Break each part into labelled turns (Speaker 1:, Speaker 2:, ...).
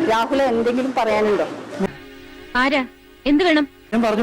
Speaker 1: രാഹുൽ എന്തെങ്കിലും പറയാനുണ്ടോ?
Speaker 2: ആരാ? എന്ത് വേണം?
Speaker 3: ഞാൻ പറഞ്ഞു.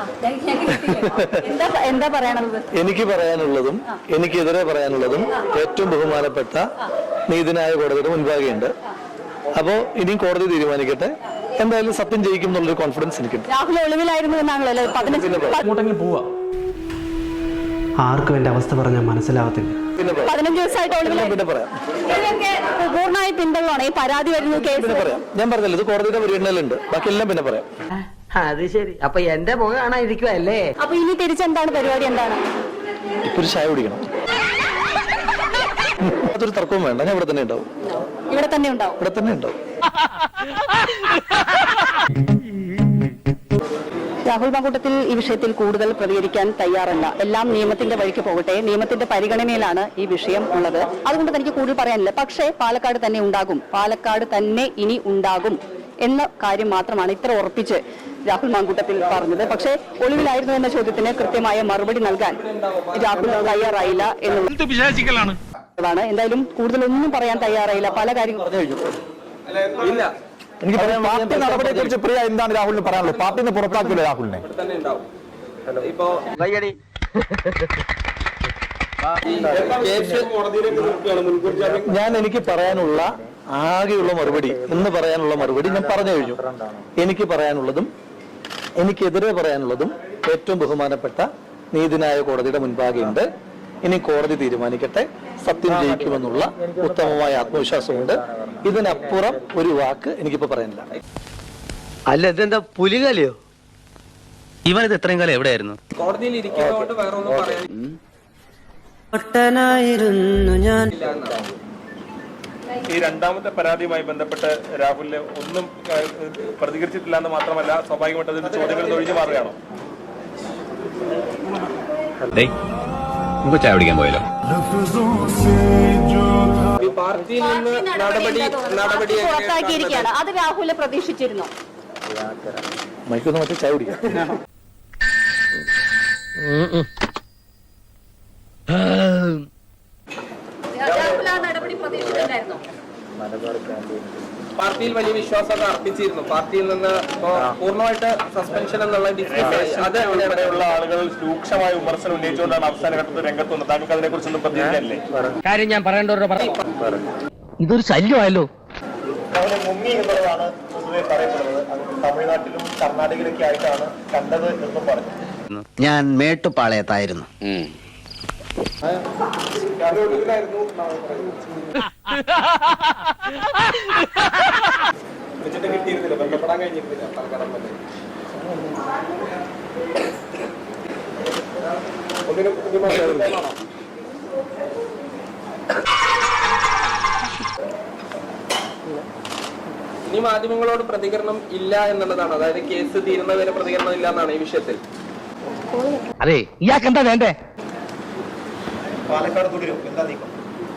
Speaker 1: എന്താ പറയാനുള്ളത്?
Speaker 3: എനിക്ക് പറയാനുള്ളതും എനിക്കെതിരെ പറയാനുള്ളതും ഏറ്റവും ബഹുമാനപ്പെട്ട നീതിന്യായ കോടതിയുടെ മുൻപാകെയുണ്ട്. അപ്പോ ഇനിയും കോടതി തീരുമാനിക്കട്ടെ. എന്തായാലും സത്യം ജയിക്കും എന്നുള്ളൊരു കോൺഫിഡൻസ് എനിക്കുണ്ട്.
Speaker 1: രാഹുൽ ഒളിവിലായിരുന്നു എന്നാണല്ലോ.
Speaker 4: അങ്ങോട്ടെങ്കിലും പോവാ. ആർക്കും എന്റെ അവസ്ഥ പറഞ്ഞാൽ മനസ്സിലാവത്തില്ല.
Speaker 1: 15 ദിവസമായിട്ട് പൂർണ്ണമായി പിന്തള്ളാണ് ഈ പരാതി വരുന്ന കേസ്.
Speaker 3: പിന്നെ പറയാം. ഞാൻ പറഞ്ഞല്ലോ, ഇത് കോടതിയുടെ പരിഗണനയിലുണ്ട്. ബാക്കിയെല്ലാം പിന്നെ പറയാം.
Speaker 5: അത് ശരി. അപ്പൊ എന്റെ മുഖം കാണാതിരിക്കുവല്ലേ?
Speaker 1: അപ്പൊ ഇനി തിരിച്ചെന്താണ് പരിപാടി? എന്താണ്?
Speaker 3: ഇപ്പൊ ഒരു ചായ കുടിക്കണം. അതൊരു തർക്കവും വേണ്ട. ഞാൻ ഇവിടെ തന്നെ ഉണ്ടാവും.
Speaker 1: ഇവിടെ തന്നെ ഉണ്ടാവും.
Speaker 3: ഇവിടെ തന്നെ ഉണ്ടാവും.
Speaker 1: രാഹുൽ മാങ്കൂട്ടത്തിൽ ഈ വിഷയത്തിൽ കൂടുതൽ പ്രതികരിക്കാൻ തയ്യാറല്ല. എല്ലാം നിയമത്തിന്റെ വഴിക്ക് പോകട്ടെ, നിയമത്തിന്റെ പരിഗണനയിലാണ് ഈ വിഷയം ഉള്ളത്. അതുകൊണ്ട് തനിക്ക് കൂടുതൽ പറയാനില്ല. പക്ഷേ പാലക്കാട് തന്നെ ഉണ്ടാകും, പാലക്കാട് തന്നെ ഇനി ഉണ്ടാകും എന്ന കാര്യം മാത്രമാണ് ഇത്ര ഉറപ്പിച്ച് രാഹുൽ മാങ്കൂട്ടത്തിൽ പറഞ്ഞത്. പക്ഷേ ഒളിവിലായിരുന്നു എന്ന ചോദ്യത്തിന് കൃത്യമായ മറുപടി നൽകാൻ രാഹുൽ തയ്യാറായില്ല എന്നുള്ളതാണ്. എന്തായാലും കൂടുതലൊന്നും പറയാൻ തയ്യാറായില്ല. പല കാര്യങ്ങളും
Speaker 6: ഇല്ല.
Speaker 3: എനിക്ക് പറയാൻ പാർട്ടി നടപടിയെ കുറിച്ച് പ്രിയ എന്താണ് രാഹുലിന് പറയാനുള്ളത്? പാർട്ടിന്ന് പുറത്താക്കില്ല രാഹുലിനെ.
Speaker 6: ഇപ്പോ
Speaker 3: ഞാൻ എനിക്ക് പറയാനുള്ള ആകെയുള്ള മറുപടി, ഇന്ന് പറയാനുള്ള മറുപടി ഞാൻ പറഞ്ഞു കഴിഞ്ഞു. എനിക്ക് പറയാനുള്ളതും എനിക്കെതിരെ പറയാനുള്ളതും ഏറ്റവും ബഹുമാനപ്പെട്ട നീതിന്യായ കോടതിയുടെ മുൻപാകെയുണ്ട്. ഇനി കോടതി തീരുമാനിക്കട്ടെ. സത്യം ജയിക്കുമെന്നുള്ള ഉത്തമമായ ആത്മവിശ്വാസമുണ്ട്. ഇതിനപ്പുറം ഒരു വാക്ക് എനിക്കിപ്പോ പറയാനില്ല.
Speaker 5: അല്ല, ഇതെന്താ പുലികലയോ?
Speaker 7: ഇവനിത് എത്രയും കാലം എവിടെയായിരുന്നു?
Speaker 6: കോടതിയിൽ ഇരിക്കുന്നതുകൊണ്ട് വേറെ ഒന്നും പറയാൻ
Speaker 5: ഞാൻ.
Speaker 8: ഈ രണ്ടാമത്തെ പരാതിയുമായി ബന്ധപ്പെട്ട് രാഹുലിന് ഒന്നും പ്രതികരിച്ചിട്ടില്ല എന്ന് മാത്രമല്ല, സ്വാഭാവികമായിട്ട് അതിന്റെ ചോദ്യങ്ങൾ ഒഴിഞ്ഞു മാറുകയാണോ?
Speaker 7: ചായ പിടിക്കാൻ പോയല്ലോ.
Speaker 6: പാർട്ടിയിൽ നിന്ന് നടപടി
Speaker 1: പുറത്താക്കിയിരിക്കുകയാണ്. അത് രാഹുൽ പ്രതീക്ഷിച്ചിരുന്നു.
Speaker 3: മൈക്കൊന്ന് മറ്റേ ചായ കുടിക്കാം.
Speaker 6: പാർട്ടിയിൽ വലിയ വിശ്വാസമൊക്കെ അർപ്പിച്ചിരുന്നു. പാർട്ടിയിൽ നിന്ന് പൂർണ്ണമായിട്ട് സസ്പെൻഷൻ എന്നുള്ള അത്
Speaker 8: ഇവിടെയുള്ള ആളുകൾ രൂക്ഷമായ വിമർശനം ഉന്നയിച്ചുകൊണ്ടാണ് അവസാന ഘട്ടത്തിൽ രംഗത്ത് വന്നത്. താങ്കൾക്ക് അതിനെ കുറിച്ചൊന്നും പ്രതികരിക്കാനില്ലേ?
Speaker 5: കാര്യം ഞാൻ പറയേണ്ടവരുടെ ഇതൊരു ശല്യമായല്ലോ.
Speaker 3: മുങ്ങി എന്നുള്ളതാണ് പൊതുവെ പറയപ്പെടുന്നത്. അത് തമിഴ്നാട്ടിലും കർണാടകയിലൊക്കെ ആയിട്ടാണ് കണ്ടത് എന്നും പറഞ്ഞു.
Speaker 5: ഞാൻ മേട്ടുപാളയത്തായിരുന്നു.
Speaker 8: വിളിച്ചിട്ട് കിട്ടിയിരുന്നില്ല, ബന്ധപ്പെടാൻ കഴിഞ്ഞിരുന്നില്ല. ഒന്നിനും
Speaker 6: ഇനി മാധ്യമങ്ങളോട് പ്രതികരണം ഇല്ല എന്നുള്ളതാണ്. അതായത് കേസ് തീരുന്നവരെ പ്രതികരണം ഇല്ല എന്നാണ് ഈ വിഷയത്തിൽ.
Speaker 5: അതെ, ഇയാൾക്ക് എന്താ വേണ്ടേ?
Speaker 3: പാലക്കാട് തുടരും. എന്താ നീക്കം?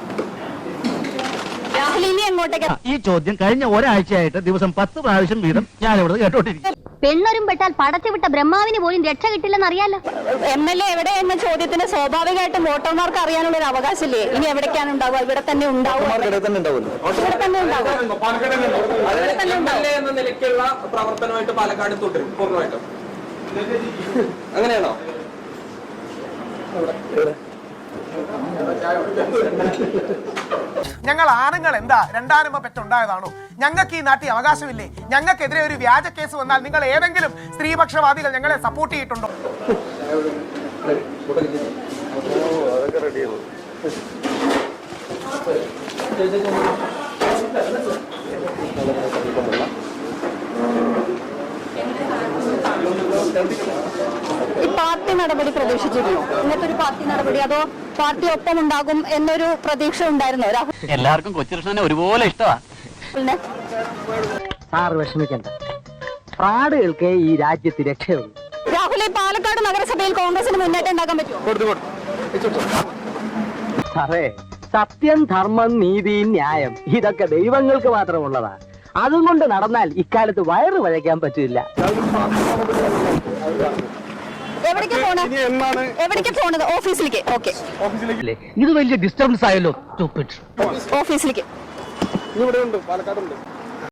Speaker 1: രാഹുൽ ഇനി എങ്ങോട്ടേക്ക്?
Speaker 5: ഈ ചോദ്യം കഴിഞ്ഞ ഒരാഴ്ചയായിട്ട് ദിവസം 10 പ്രാവശ്യം വീതം ഞാനിവിടെ കേട്ടോണ്ടിരിക്കും.
Speaker 2: പെണ്ണൊരും പെട്ടാൽ പടച്ചുവിട്ട ബ്രഹ്മാവിന് പോലും രക്ഷ കിട്ടില്ലെന്ന് അറിയാലോ.
Speaker 1: MLA എവിടെ എന്ന ചോദ്യത്തിന് സ്വാഭാവികമായിട്ടും വോട്ടർമാർക്ക് അറിയാനുള്ള ഒരു അവകാശമില്ലേ? ഇനി എവിടേക്കാണ് ഉണ്ടാവുക? ഇവിടെ തന്നെ ഉണ്ടാവും.
Speaker 3: ഇവിടെ തന്നെ ഉണ്ടാവുമല്ലോ.
Speaker 1: ഇവിടെ തന്നെ ഉണ്ടാവും.
Speaker 6: MLA എന്ന നിലയ്ക്കുള്ള പ്രവർത്തനമായിട്ട് പാലക്കാട് തുടരും പൂർണ്ണമായിട്ടും. അങ്ങനെയാണോ?
Speaker 9: ഞങ്ങൾ ആണുങ്ങൾ എന്താ രണ്ടാനമ്മ പെറ്റുണ്ടായതാണോ? ഞങ്ങൾക്ക് ഈ നാട്ടിൽ അവകാശമില്ലേ? ഞങ്ങൾക്കെതിരെ ഒരു വ്യാജ കേസ് വന്നാൽ നിങ്ങൾ ഏതെങ്കിലും സ്ത്രീപക്ഷവാദികൾ ഞങ്ങളെ സപ്പോർട്ട് ചെയ്തിട്ടുണ്ടോ?
Speaker 1: ഈ പാർട്ടി നടപടി പ്രതീക്ഷിച്ചിരുന്നു? ഇങ്ങനത്തെ ഒരു പാർട്ടി നടപടി, അതോ പാർട്ടി ഒപ്പം ഉണ്ടാകും എന്നൊരു പ്രതീക്ഷ ഉണ്ടായിരുന്നോ രാഹുൽ?
Speaker 7: എല്ലാവർക്കും കൊച്ചുകൃഷ്ണനെ ഒരുപോലെ ഇഷ്ടമാണ്.
Speaker 5: സാർ വിഷമിക്കണ്ട, ഫ്രാഡുകൾക്ക് ഈ രാജ്യത്ത് രക്ഷയുള്ളൂ.
Speaker 1: രാഹുൽ, ഈ പാലക്കാട് നഗരസഭയിൽ കോൺഗ്രസിന് മുന്നേറ്റം ഉണ്ടാക്കാൻ പറ്റുമോ?
Speaker 5: സാറേ, സത്യം, ധർമ്മം, നീതി, ന്യായം ഇതൊക്കെ ദൈവങ്ങൾക്ക് മാത്രമുള്ളതാ. അതും കൊണ്ട് നടന്നാൽ ഇക്കാലത്ത് വയറ് വഴയ്ക്കാൻ പറ്റില്ല.
Speaker 1: എവിടേക്ക് പോണത്? ഓഫീസിലേക്ക്. ഓക്കെ,
Speaker 5: ഇത് വലിയ ഡിസ്റ്റർബൻസ് ആയല്ലോ.
Speaker 1: ഓഫീസിലേക്ക്.
Speaker 6: ഇവിടെ ഉണ്ട്, പാലക്കാടുണ്ട്.